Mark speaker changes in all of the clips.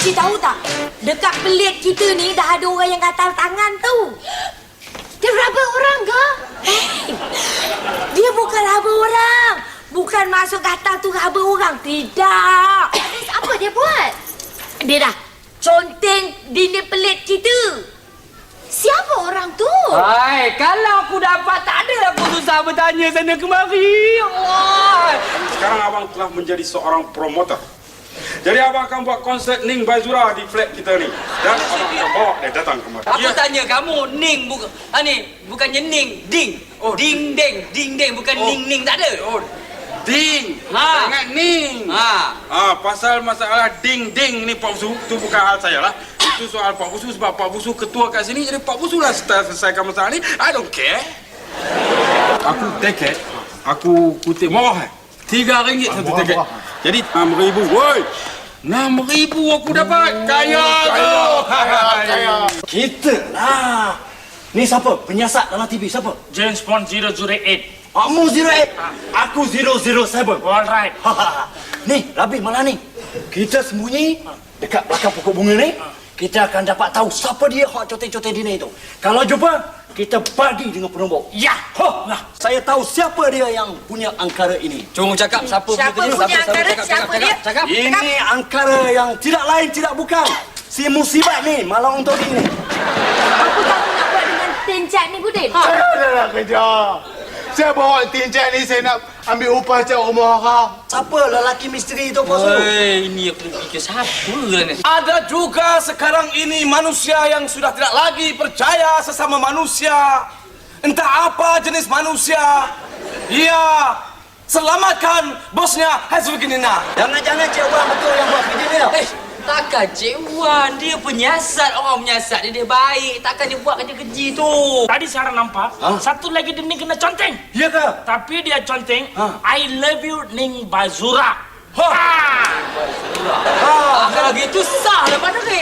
Speaker 1: Cik tahu tak? Dekat pelik kita ni dah ada orang yang gatal tangan tu.
Speaker 2: Dia raba orang ke?
Speaker 1: Dia bukan raba orang. Bukan masuk gatal tu raba orang. Tidak.
Speaker 2: Terus apa dia buat?
Speaker 1: Dia dah conteng dinding pelik kita.
Speaker 2: Siapa orang tu?
Speaker 3: Hai, kalau aku dapat tak ada aku susah bertanya sana kemari. Allah.
Speaker 4: Sekarang abang telah menjadi seorang promotor. Jadi abang akan buat konsert Ning Baizura di flat kita ni. Dan abang akan bawa dia datang kemari.
Speaker 3: Aku tanya kamu, Ning bukan bukannya Ning, Ding.
Speaker 4: Oh,
Speaker 3: Ding deng, bukan Ning tak ada.
Speaker 4: Oh, Ding.
Speaker 3: Ha.
Speaker 4: Ingat Ning. Pasal masalah ding ni Pak Busu, tu bukan hal saya lah. Itu soal Pak Busu sebab Pak Busu ketua kat sini, jadi Pak Busu lah selesaikan masalah ni. I don't care. Aku tiket, aku kutip murah. RM3 satu tiket. Jadi RM6,000. Woi. RM6,000 aku dapat. Kaya tu. Kaya.
Speaker 5: Kita lah. Ni siapa? Penyiasat dalam TV siapa?
Speaker 6: James Bond 008.
Speaker 5: Kamu 08. Aku 007.
Speaker 6: Alright.
Speaker 5: Ni, Rabi malah ni. Kita sembunyi dekat belakang pokok bunga ni. Kita akan dapat tahu siapa dia hak conteng-conteng dini itu. Kalau jumpa, kita bagi dengan penombor.
Speaker 6: Ya.
Speaker 5: Nah, saya tahu siapa dia yang punya angkara ini.
Speaker 3: Cuma cakap siapa
Speaker 1: punya angkara? Siapa dia?
Speaker 3: Cakap.
Speaker 5: Ini angkara yang tidak lain tidak bukan. Si musibat ni malang untuk ini.
Speaker 1: Apa kamu nak buat dengan tencak ni, Budin?
Speaker 7: Saya dah nak kerja. Saya bawa tinjak ni, saya nak ambil upah cat rumah orang.
Speaker 5: Siapa lelaki misteri itu, Pak Su?
Speaker 3: Ini aku fikir siapa lah ni.
Speaker 8: Ada juga sekarang ini manusia yang sudah tidak lagi percaya sesama manusia. Entah apa jenis manusia. Ia selamatkan bosnya Hasbukinina.
Speaker 5: Jangan-jangan Cik Wan betul yang buat video ni tau.
Speaker 3: Takkan Cik Wan, dia penyiasat, orang penyiasat dia baik. Takkan dia buat kerja keji tu.
Speaker 6: Tadi Sarah nampak, satu lagi dia ni kena conteng.
Speaker 5: Ya ke?
Speaker 6: Tapi dia conteng, I love you Ning Baizura.
Speaker 3: Kalau gitu sah lah pada ni.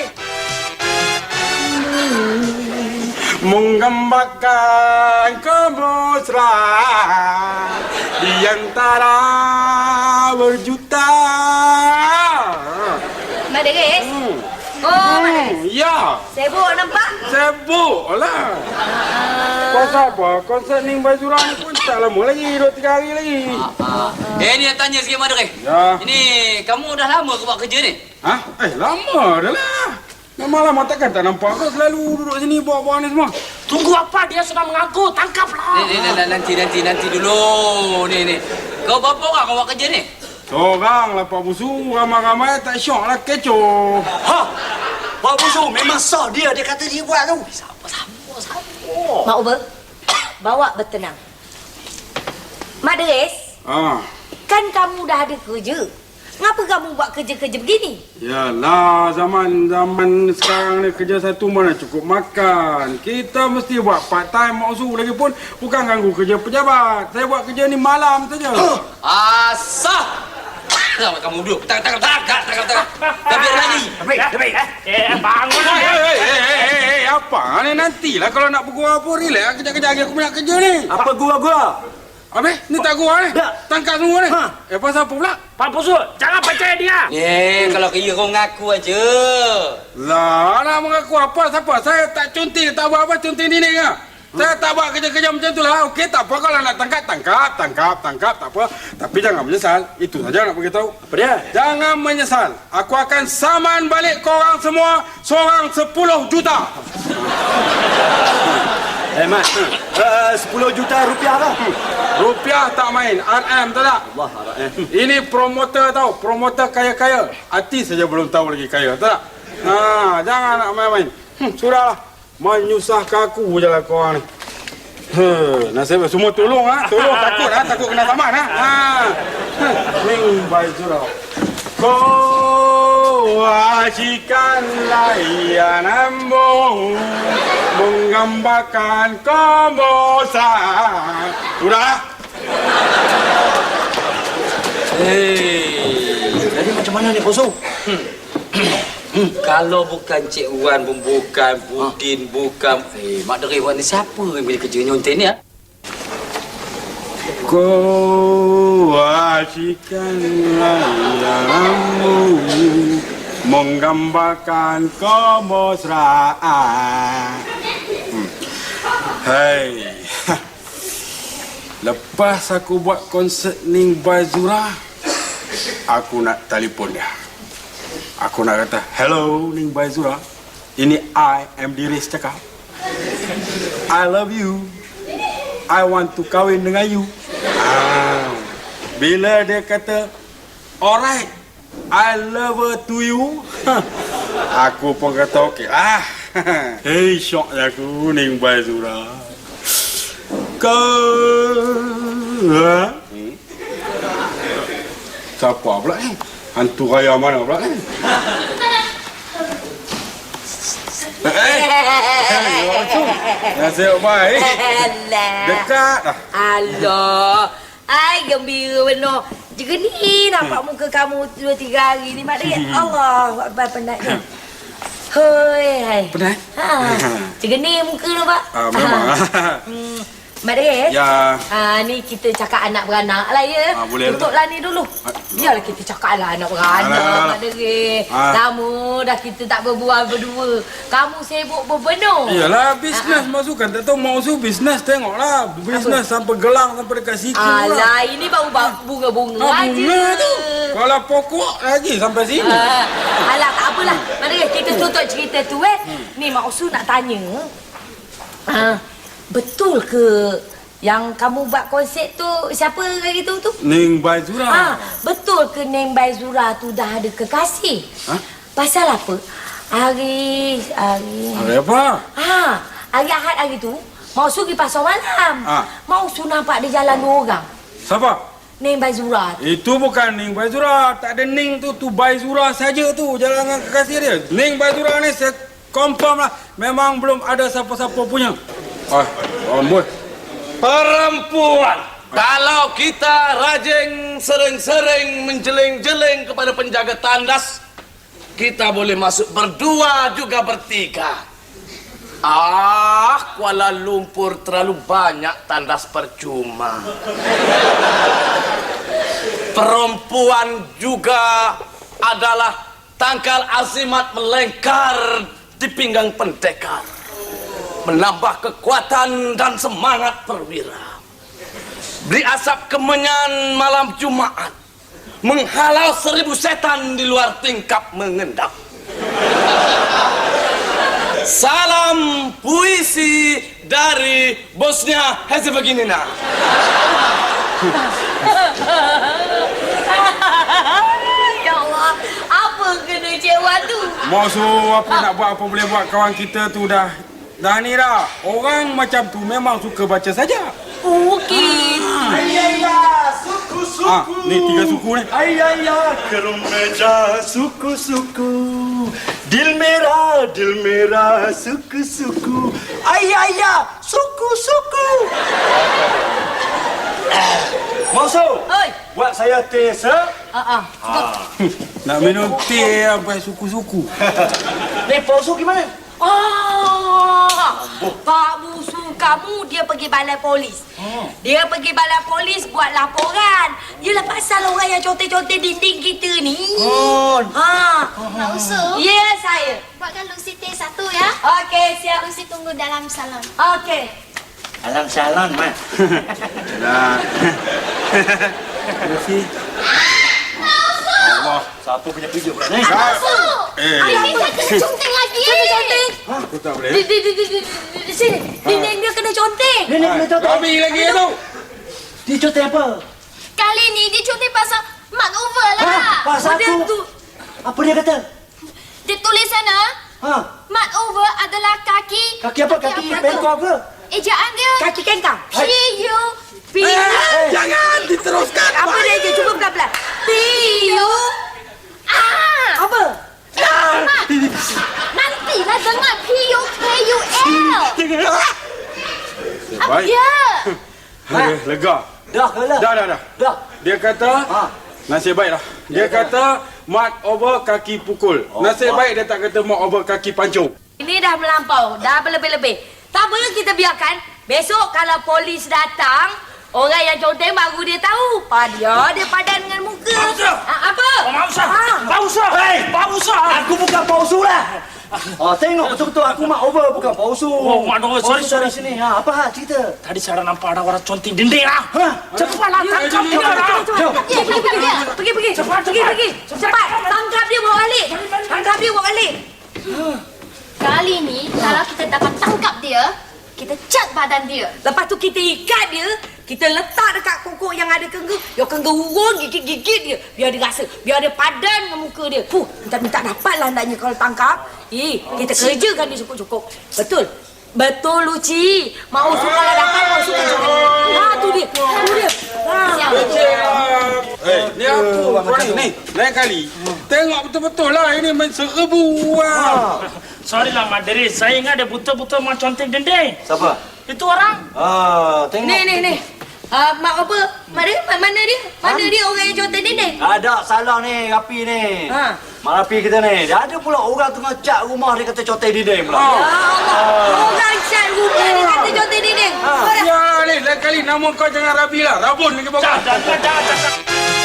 Speaker 4: Menggambarkan kemesraan di antara berjuta.
Speaker 1: Mak Deris? Oh, Mak Deris.
Speaker 4: Ya,
Speaker 1: Sibuk nampak?
Speaker 4: sibuk lah. Pasal apa? Konsert Ning Baizura ni pun tak lama lagi, 2-3 hari lagi.
Speaker 3: Ni nak tanya sikit Mak Deris.
Speaker 4: Ya.
Speaker 3: Ini kamu dah lama ke buat kerja ni?
Speaker 4: Hah? Lama dah lah. Lama-lama takkan tak nampak kau selalu duduk sini bawa-bawa ni semua.
Speaker 6: Tunggu apa? Dia sudah mengaku. Tangkaplah.
Speaker 3: Nanti dulu. Ni. Kau berapa orang kau buat kerja ni?
Speaker 4: Seorang lah Pak Busu, ramai-ramai tak syok lah kecoh.
Speaker 5: Pak Busu memang sah dia kata dia buat tu.
Speaker 1: Mak Uber, bawa bertenang. Mak Deris, kan kamu dah ada kerja. Mengapa kamu buat kerja-kerja begini?
Speaker 4: Yalah, zaman sekarang ni kerja satu mana cukup makan. Kita mesti buat part time maksu lagi pun bukan ganggu kerja pejabat. Saya buat kerja ni malam saja.
Speaker 3: Asah! Sama kamu duduk. Tangkap. Tak biar lagi.
Speaker 6: Bangun lah.
Speaker 4: Apa ni nantilah kalau nak bergurau apa relax kejap-kejap lagi aku nak kerja ni.
Speaker 5: Apa gua?
Speaker 4: Habis ni tak gurau ni. Tangkap semua ni. Pasal apa pula?
Speaker 6: Pak Busu, jangan percaya dia.
Speaker 3: Kalau kira kau ngaku aja.
Speaker 4: Lah, nak mengaku apa? Siapa? Saya tak conteng, tak buat apa conteng dini ke? Saya tak buat kerja-kerja macam tu lah. Okey, tak apa kalau nak tangkap, tak apa. Tapi jangan menyesal. Itu saja nak beritahu.
Speaker 5: Apa dia?
Speaker 4: Jangan menyesal. Aku akan saman balik korang semua seorang 10 juta.
Speaker 5: Mat, 10 juta rupiah lah.
Speaker 4: Rupiah tak main. RM tahu tak?
Speaker 5: Allah,
Speaker 4: Ini promoter tahu. Promoter kaya-kaya. Artis saja belum tahu lagi kaya. Tahu tak? Jangan nak main-main. Sudahlah. Menyusahkan aku je lah korang ni. Nasib semua tolong Tolong takut kena saman Ning Baizura. Kau asyikkan layananmu menggambarkan kebosan. Sudah.
Speaker 5: Jadi macam mana ni, Bosu?
Speaker 3: Kalau bukan Cik Wan pun bukan, Budin bukan. Mak Deris buat ni siapa yang boleh kerja nyonten ni?
Speaker 4: Kau asyikkan layananmu menggambarkan kemesraan. Hai. Lepas aku buat konsert Ning Baizura, aku nak telefon dia. Aku nak kata, hello Ning Baizura, ini I am Diris cakap. I love you. I want to kahwin dengan you. Bila dia kata, alright, I love her to you, aku pun kata okey lah. Hei, syok aku Ning Baizura. Siapa pula ni? Hantu raya mana pula ni? Nasib baik. Dekat dah.
Speaker 1: Alah. Ai gembira benar. Juga ni nampak muka kamu 2-3 hari ni Mak Dek. Allah, Akbar penatnya. Hoi, hai.
Speaker 4: Penat?
Speaker 1: Juga ni muka tu, Pak.
Speaker 4: Memang.
Speaker 1: Mak Dek.
Speaker 4: Ya.
Speaker 1: Ni kita cakap anak beranak lah ya.
Speaker 4: Boleh
Speaker 1: Tutuplah ni dulu. Biarlah kita cakap lah anak beranak, Mak Dek. Lama dah kita tak berbual berdua. Kamu sibuk berbenur.
Speaker 4: Iyalah, bisnes masukkan. Tak tahu mau bisnes, tengoklah. Bisnes sampai gelang, sampai dekat siku lah.
Speaker 1: Alah, ini baru bunga-bunga aja.
Speaker 4: Bunga tu. Kalau pokok lagi sampai sini.
Speaker 1: Alah, tak apalah. Mak Dek, kita tutup cerita tu Ni Mak Usu nak tanya. Betul ke yang kamu buat konsert tu, siapa kata tu?
Speaker 4: Ning Baizura.
Speaker 1: Betul ke Ning Baizura tu dah ada kekasih? Pasal apa? Hari
Speaker 4: apa?
Speaker 1: Hari Ahad hari tu, Mak Usu pergi pasar malam. Mak Usu nampak dia jalan 2 orang.
Speaker 4: Siapa?
Speaker 1: Ning Baizura.
Speaker 4: Itu bukan Ning Baizura. Tak ada Ning tu Baizura saja tu jalan dengan kekasih dia. Ning Baizura ni saya confirm lah. Memang belum ada siapa-siapa punya. Amboi.
Speaker 8: Perempuan. Kalau kita rajin sering-sering menjeling-jeling kepada penjaga tandas, kita boleh masuk berdua juga bertiga. Kuala Lumpur terlalu banyak tandas percuma. Perempuan juga adalah tangkal azimat melengkar di pinggang pendekar, menambah kekuatan dan semangat perwira. Beri asap kemenyan malam Jumaat, menghalau 1000 setan di luar tingkap mengendap. Salam puisi dari Bosnia Herzegovina.
Speaker 1: Ya Allah, apa kena Cik Wan tu?
Speaker 4: Maksud apa nak buat, apa boleh buat. Kawan kita tu dah ni dah. Orang macam tu memang suka baca saja.
Speaker 1: Okey.
Speaker 5: Ayah, suku-suku.
Speaker 4: Ni 3 suku ni.
Speaker 5: Ayah, kerumeja suku-suku. Dil merah, suku-suku. Ayah, suku-suku. Maksud?
Speaker 1: Oi.
Speaker 5: Buat saya teh
Speaker 4: Nak minum teh sampai suku-suku.
Speaker 5: Ni Pak Usu gimana?
Speaker 1: Pak Busu kamu dia pergi balai polis. Dia pergi balai polis buat laporan. Yelah pasal orang yang conteng-conteng dinding kita ni.
Speaker 2: Mak Usu.
Speaker 1: Ya, saya.
Speaker 2: Buatkan Lucy teh 1 ya.
Speaker 1: Okey, siap.
Speaker 2: Lucy tunggu dalam salon.
Speaker 1: Okey.
Speaker 5: Alam salon, Mak.
Speaker 4: Dah. Terima Allah.
Speaker 5: Siapa punya video pula ni?
Speaker 2: Ayah kita kena conteng lagi.
Speaker 1: Conteng.
Speaker 4: Aku tak boleh.
Speaker 1: Di sini. Dia kena conteng.
Speaker 5: Ni kena conteng.
Speaker 4: Kami lagi tu.
Speaker 5: Dia conteng apa?
Speaker 2: Kali ni dia conteng pasal makeover lah.
Speaker 5: Pasal
Speaker 1: Dia
Speaker 5: tu.
Speaker 1: tu.
Speaker 5: Apa dia kata?
Speaker 2: Dia tulis sana, makeover adalah kaki.
Speaker 5: Kaki apa? Kaki bengkok ke?
Speaker 2: Ejaan dia
Speaker 1: Kaki kengkang.
Speaker 2: P-U-P.
Speaker 4: Jangan diteruskan.
Speaker 1: Apa dia je? Cuba pelan-pelan. P-U. Apa?
Speaker 2: Nantilah dengar P-U-K-U-L.
Speaker 4: Baik.
Speaker 2: Ya.
Speaker 4: Lega.
Speaker 5: Dah ke lah?
Speaker 4: Dah. Dia kata, nasib baiklah. Dia kata, mat over kaki pukul. Nasib baik dia tak kata mat over kaki pancung.
Speaker 1: Ini dah melampau. Dah berlebih-lebih. Tak apa, kita biarkan. Besok kalau polis datang, Orang yang conteng baru dia tahu. Dia padan dengan muka. Apa?
Speaker 6: Pausa. Hei, pausa.
Speaker 5: Aku bukan pausu lah. Tengok betul-betul aku mak over bukan pausu.
Speaker 6: Oh, mak over. Sorry.
Speaker 5: Sini. Apa cerita?
Speaker 6: Tadi saya nampak ada orang conteng dinding ah. Cepatlah tangkap dia.
Speaker 1: Pergi. Cepat. Tangkap dia bawa balik.
Speaker 2: Kali ni, kalau kita dapat tangkap dia, kita cat badan dia.
Speaker 1: Lepas tu kita ikat dia, kita letak dekat kokok yang ada kengga. Yang kengga urun, gigit dia. Biar dia rasa, biar dia padan dengan muka dia. Minta dapatlah hendaknya kalau tangkap. Kita kerjakan dia cukup-cukup. Betul, Luci. Mau suka kalau dapat, mau suka jangan. Tu dia.
Speaker 4: Ni aku ni. Lain kali. Tengok betul-betul lah. Ini main serbu.
Speaker 6: Sorry lah, Mak Deris. Saya ingat dia betul-betul mak conteng dinding.
Speaker 5: Siapa?
Speaker 6: Itu orang.
Speaker 5: Tengok.
Speaker 1: Ni. Mak apa? Mana dia? Mana dia orang yang conteng dinding?
Speaker 5: Ada salah ni, Rapi ni. Mak Rapi kita ni. Dia ada pula orang tengah cat rumah dia kata conteng dinding pula.
Speaker 1: Ya Allah. Orang cat rumah dia kata conteng dinding.
Speaker 4: Ya ni, lain kali nama kau jangan Rabi lah. Rabun lagi bawa.
Speaker 6: Jangan.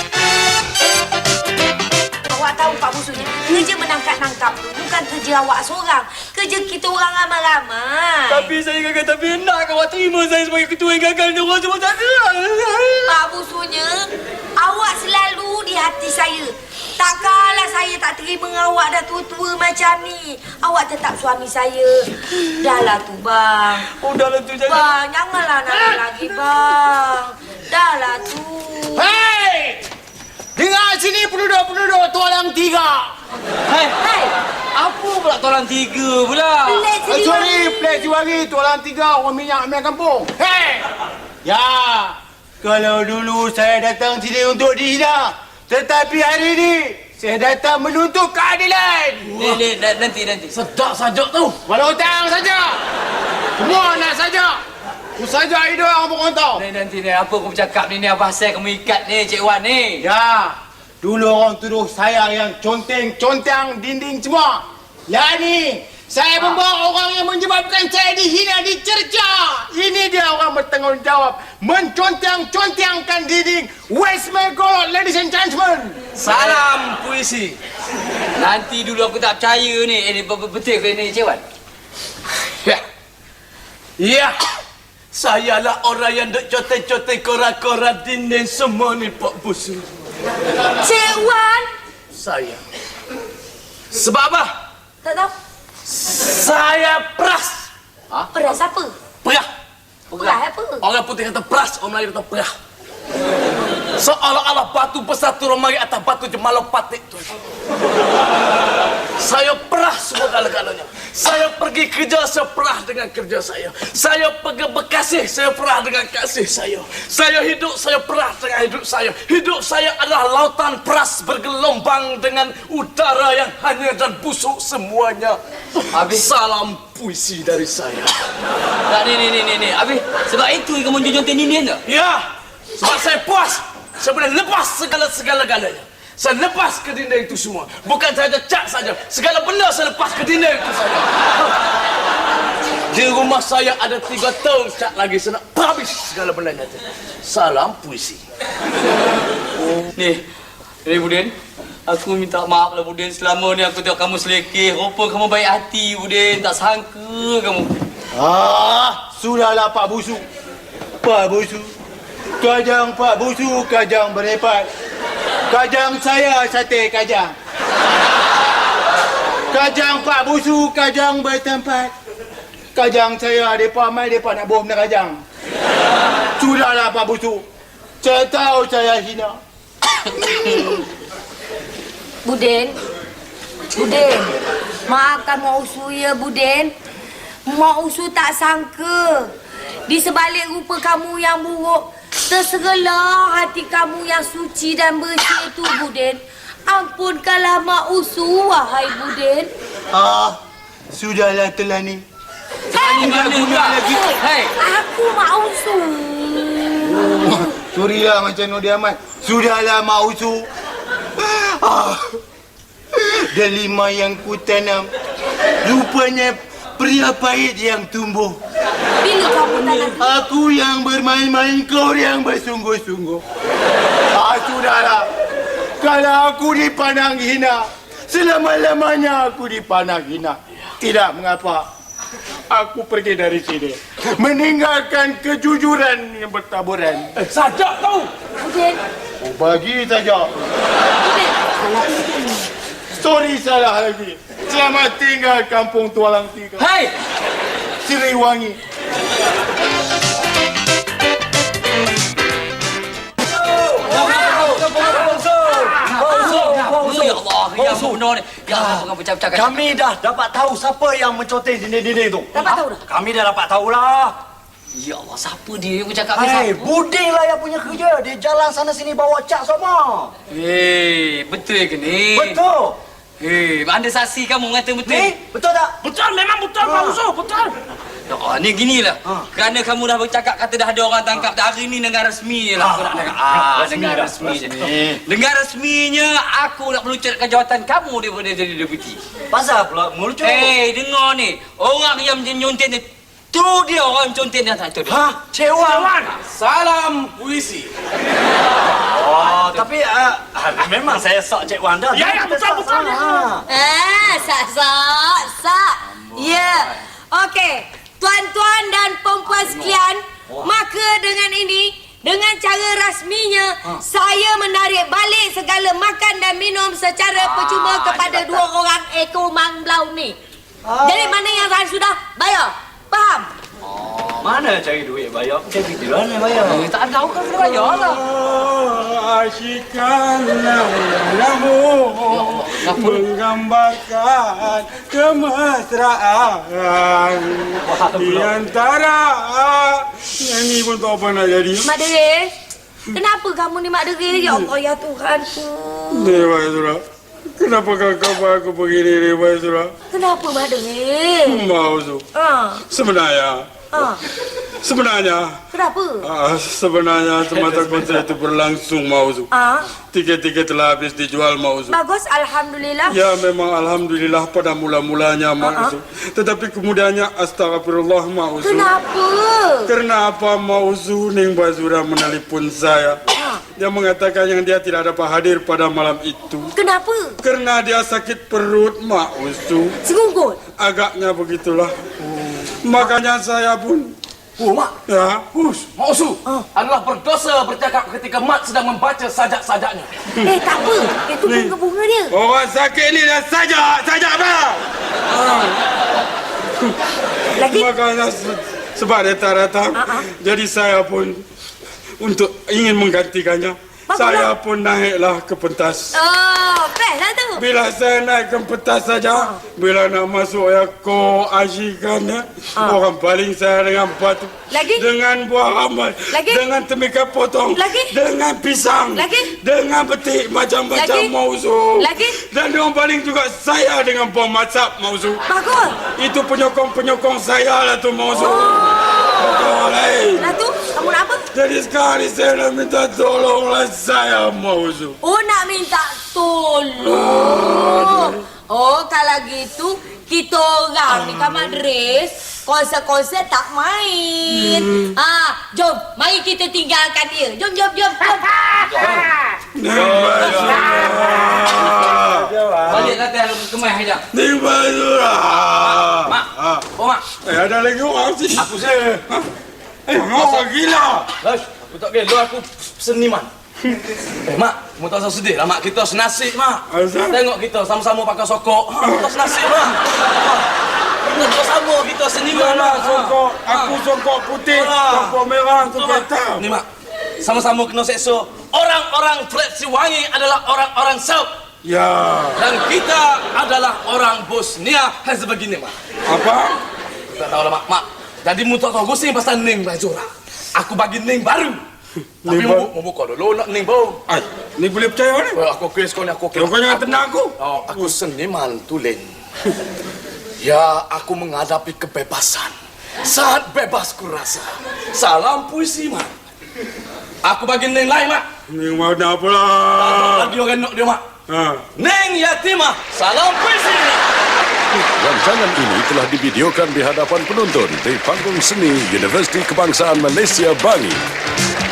Speaker 1: Awak tahu Pak Busunya, kerja menangkap-nangkap tu bukan kerja awak seorang. Kerja kita orang ramai-ramai.
Speaker 8: Tapi saya gagal, tapi nak awak terima saya sebagai ketua yang gagal ni orang semua tak ada.
Speaker 1: Pak Busunya, awak selalu di hati saya. Tak kalah saya tak terima awak dah tua-tua macam ni. Awak tetap suami saya. Dahlah tu bang.
Speaker 8: Dahlah tu jangan.
Speaker 1: Bang, janganlah nangis lagi bang. Dahlah tu.
Speaker 7: Hei! Dengar sini penduduk-penduduk Tualang 3.
Speaker 3: Hei. Apa pula Tualang 3 pula?
Speaker 7: Plek Jiwari Tualang 3 orang minyak minyak kampung. Hei! Ya, kalau dulu saya datang sini untuk dihina, tetapi hari ini saya datang menuntut keadilan.
Speaker 3: Nanti.
Speaker 8: Sedap sajak tu.
Speaker 7: Walau hutang saja. Semua nak saja. Ku saja hidup orang berkontau.
Speaker 3: Nanti apa kau bercakap ni apa pasal kamu ikat ni Cik Wan ni?
Speaker 7: Ya, dulu orang tuduh saya yang conteng dinding semua. Lah ni, saya membawa orang yang menyebabkan saya dihina, dicerca. Ini dia orang bertanggungjawab menconteng-contengkan dinding West Megolot, ladies and gentlemen.
Speaker 3: Salam puisi. Nanti dulu aku tak percaya ni. Ini betul ke ni Cik Wan?
Speaker 8: Ya. Sayalah orang yang duk conteng-conteng koran-koran dinding semua ni Pak Busu.
Speaker 1: Cik Wan.
Speaker 8: Saya. Sebab apa?
Speaker 1: Tak tahu.
Speaker 8: Saya peras.
Speaker 1: Peras apa?
Speaker 8: Perah.
Speaker 1: Perah apa?
Speaker 8: Orang putih kata peras, orang Melayu kata perah. Seolah-olah batu bersatu romari atas batu jemalau patik tu. Saya perah semua galanya. Saya pergi kerja, saya perah dengan kerja saya. Saya pergi berkasih, saya perah dengan kasih saya. Saya hidup, saya perah dengan hidup saya. Hidup saya adalah lautan peras bergelombang dengan udara yang hanyut dan busuk semuanya.
Speaker 3: Habis
Speaker 8: salam puisi dari saya.
Speaker 3: Tak ni. Habis sebab itu kamu conteng dinding tak?
Speaker 8: Ya. Sebab saya puas. Saya boleh lepas segala-galanya. Saya lepas ke dinding itu semua. Bukan sahaja cat saja. Segala benda saya lepas ke dinding itu saja. Di rumah saya ada 3 tahun cat lagi. Saya nak habis segala benda itu. Salam puisi.
Speaker 3: Ni Budin. Aku minta maaf lah Budin. Selama ni aku tengok kamu selekeh. Rupa kamu baik hati Budin. Tak sangka kamu.
Speaker 7: Sudahlah Pak Busu. Pak Busu. Kajang Pak Busu, kajang berepat. Kajang saya sate kajang. Kajang Pak Busu, kajang bertempat. Kajang saya, mereka mai, mereka nak bawa benda kajang. Sudahlah Pak Busu. Saya tahu saya hina.
Speaker 1: Budin. Maafkan Mak Usu ya Budin. Mak Usu tak sangka. Di sebalik rupa kamu yang buruk, terserlah hati kamu yang suci dan bersih itu, Budin. Ampunkanlah Mak Usu, wahai Budin.
Speaker 7: Sudahlah Telani.
Speaker 3: Lagi. Hei,
Speaker 1: aku Mak Usu.
Speaker 7: Surilah macam Nodi Ahmad. Sudahlah Mak Usu. Delima yang ku tanam, rupanya pria pahit yang tumbuh.
Speaker 1: Bila
Speaker 7: Aku yang bermain-main, kau yang bersungguh-sungguh. Sudahlah. Kalau aku dipandang hina, selama-lamanya aku dipandang hina. Tidak mengapa. Aku pergi dari sini. Meninggalkan kejujuran yang bertaburan.
Speaker 6: Sajak tahu.
Speaker 1: Udin.
Speaker 7: Oh, bagi saja.
Speaker 1: Udin.
Speaker 7: Sorry, salah lagi. Selamat tinggal kampung Tualang Tiga.
Speaker 8: Hai!
Speaker 7: Siliwangi.
Speaker 3: Ya Allah, ya benar ni. Ya Allah, pengen bercakap.
Speaker 5: Kami dah dapat tahu siapa yang menconteng dinding-dinding tu.
Speaker 1: Dapat tahu dah?
Speaker 5: Kami dah dapat tahulah.
Speaker 3: Ya Allah, siapa dia yang bercakap ni?
Speaker 5: Hei, Buding lah yang punya kerja. Dia jalan sana sini bawa cak semua.
Speaker 3: Betul ke ni?
Speaker 5: Betul.
Speaker 3: Anda saksi kamu mengatakan betul?
Speaker 5: Ni, betul tak?
Speaker 6: Betul, memang betul, Pak Uso. Betul.
Speaker 3: Ni ginilah. Kerana kamu dah bercakap kata dah ada orang tangkap dah hari ni dengan rasmi lah aku nak cakap. Dengan rasmi je. Dengan rasminya aku nak melucutkan jawatan kamu daripada jadi deputi.
Speaker 5: Pasal pula melucut.
Speaker 3: Dengar ni. Orang yang nyonten ni tu dia orang conten yang tak tahu dia.
Speaker 5: Cewan.
Speaker 8: Salam puisi.
Speaker 5: Oh, tapi memang saya sok Cik Wan dah.
Speaker 6: Ya, betul.
Speaker 1: Sak. Ya. Okey. Tuan-tuan dan perempuan sekalian, maka dengan ini, dengan cara rasminya, saya menarik balik segala makan dan minum secara percuma kepada dua orang ekor manglau ni. Jadi mana yang saya sudah bayar? Faham?
Speaker 5: Mana cari duit bayar? Capital mana bayar?
Speaker 3: Tak tahu kan kena bayar lah.
Speaker 4: Asyikanlah lamu menggambarkan kemesraan di antara ini pun tak apa nak jadi.
Speaker 1: Mak Deris, kenapa kamu ni Mak Deris? Ya Allah, ya Tuhanku.
Speaker 4: Dewa Surah, kenapa kau buat aku begini Dewa Surah?
Speaker 1: Kenapa Mak Deris?
Speaker 4: Mau tu. Sebenarnya
Speaker 1: Kenapa?
Speaker 4: sebenarnya semasa konser itu berlangsung Mauzu. Tiket-tiket telah habis dijual Mauzu.
Speaker 1: Bagus, Alhamdulillah.
Speaker 4: Ya memang Alhamdulillah pada mula-mulanya Mauzu. Tetapi kemudiannya astagfirullah Mauzu.
Speaker 1: Kenapa?
Speaker 4: Karena apa Mauzu Ning Bazura menelpon saya. Dia mengatakan yang dia tidak dapat hadir pada malam itu.
Speaker 1: Kenapa?
Speaker 4: Karena dia sakit perut Mauzu.
Speaker 1: Sengungkut?
Speaker 4: Agaknya begitulah. Makanya saya pun
Speaker 8: Mak.
Speaker 4: ya.
Speaker 8: Mak Usu adalah berdosa bercakap ketika Mak sedang membaca sajak-sajaknya.
Speaker 1: Tak apa. Itu bunga-bunga dia.
Speaker 4: Orang sakit ni dah sajak apa?
Speaker 1: Lagi?
Speaker 4: Makanya sebab dia tak datang, jadi saya pun untuk ingin menggantikannya. Saya pun naiklah ke pentas.
Speaker 1: Best lah tu.
Speaker 4: Bila saya naik ke pentas saja, bila nak masuk ko asyikannya, orang paling saya dengan batu.
Speaker 1: Lagi?
Speaker 4: Dengan buah rambai.
Speaker 1: Lagi?
Speaker 4: Dengan temika potong.
Speaker 1: Lagi?
Speaker 4: Dengan pisang.
Speaker 1: Lagi?
Speaker 4: Dengan betik macam-macam
Speaker 1: Lagi?
Speaker 4: Mauzu.
Speaker 1: Lagi?
Speaker 4: Dan orang paling juga saya dengan bom masak Mauzu.
Speaker 1: Bagus.
Speaker 4: Itu penyokong-penyokong saya lah tu Mauzu. Betul,
Speaker 1: Lah tu, kamu nak apa?
Speaker 4: jadi sekarang saya nak minta tolonglah saya Mauzu.
Speaker 1: Nak minta tolong. Kalau gitu, kita orang ni kan Madris, konser-konser tak main. Jom, mari kita tinggalkan dia. Jom.
Speaker 3: Baliklah dia kemas aja.
Speaker 4: Ning Bazura.
Speaker 3: Mak. Mak.
Speaker 4: Ada lagi orang sih.
Speaker 8: Aku saya.
Speaker 4: Apa gila?
Speaker 8: Lash, aku tak gelo, aku seniman. Mak, kamu tak usah sedih lah Mak, kita senasib Mak.
Speaker 4: Asal?
Speaker 8: Tengok kita sama-sama pakai sokok. Kita senasib Mak. Kita sama, kita seniman
Speaker 4: Mana
Speaker 8: Mak.
Speaker 4: songkok? Aku songkok putih, songkok merah, songkok hitam.
Speaker 8: Ni Mak, sama-sama kena seksa. Orang-orang Fred Siwangi adalah orang-orang Serb.
Speaker 4: Ya.
Speaker 8: Dan kita adalah orang Bosnia Herzegovina Mak.
Speaker 4: Apa?
Speaker 8: Tak tahu lah Mak. Jadi mu tak tahu gosing pasal Ning Bazura. Aku bagi Ning baru. Tapi mu buka dulu nak Ning baru.
Speaker 4: Ay, ni boleh percaya ni?
Speaker 8: Aku kes kau ni aku kes.
Speaker 4: Kau jangan tenang aku.
Speaker 8: Aku seniman tulen. Ya, aku menghadapi kebebasan. Sangat bebas ku rasa. Salam puisi Mak. Aku bagi Ning lain Mak.
Speaker 4: Ni mana pula?
Speaker 8: Lagi orang nak dia Mak.
Speaker 4: Ha.
Speaker 8: Ning Yatimah. Salam puisi.
Speaker 9: Rancangan ini telah divideokan di hadapan penonton di Panggung Seni Universiti Kebangsaan Malaysia Bangi.